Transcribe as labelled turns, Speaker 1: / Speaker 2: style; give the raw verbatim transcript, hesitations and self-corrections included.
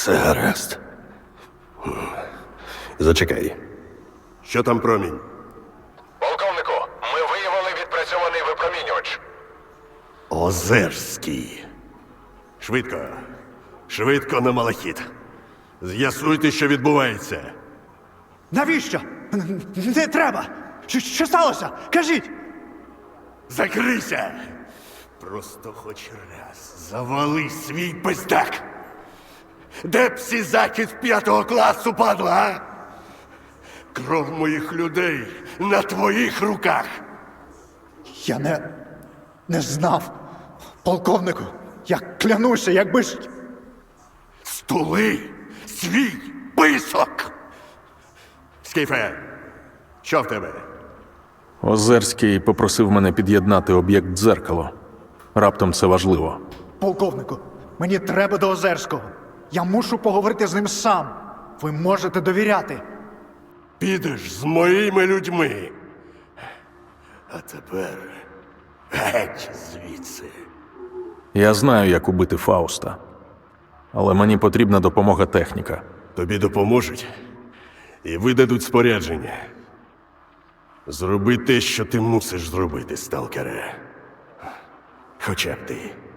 Speaker 1: Все гаразд. Зачекай. Що там промінь?
Speaker 2: Полковнику, ми виявили відпрацьований випромінювач.
Speaker 1: Озерський. Швидко. Швидко на малахіт. З'ясуйте, що відбувається.
Speaker 3: Навіщо? Н- Не треба! Що, що сталося? Кажіть!
Speaker 1: Закрийся! Просто хоч раз завали свій пиздак! Де б всі закид п'ятого класу, падла, а? Кров моїх людей на твоїх руках!
Speaker 3: Я не. не знав. Полковнику, я клянуся, якби ж.
Speaker 1: Стули свій писок! Скіфе, що в тебе?
Speaker 4: Озерський попросив мене під'єднати об'єкт дзеркало. Раптом це важливо.
Speaker 3: Полковнику, мені треба до Озерського. Я мушу поговорити з ним сам. Ви можете довіряти.
Speaker 1: Підеш з моїми людьми. А тепер геть звідси.
Speaker 4: Я знаю, як убити Фауста. Але мені потрібна допомога техніка.
Speaker 1: Тобі допоможуть і видадуть спорядження. Зроби те, що ти мусиш зробити, сталкере. Хоча б ти.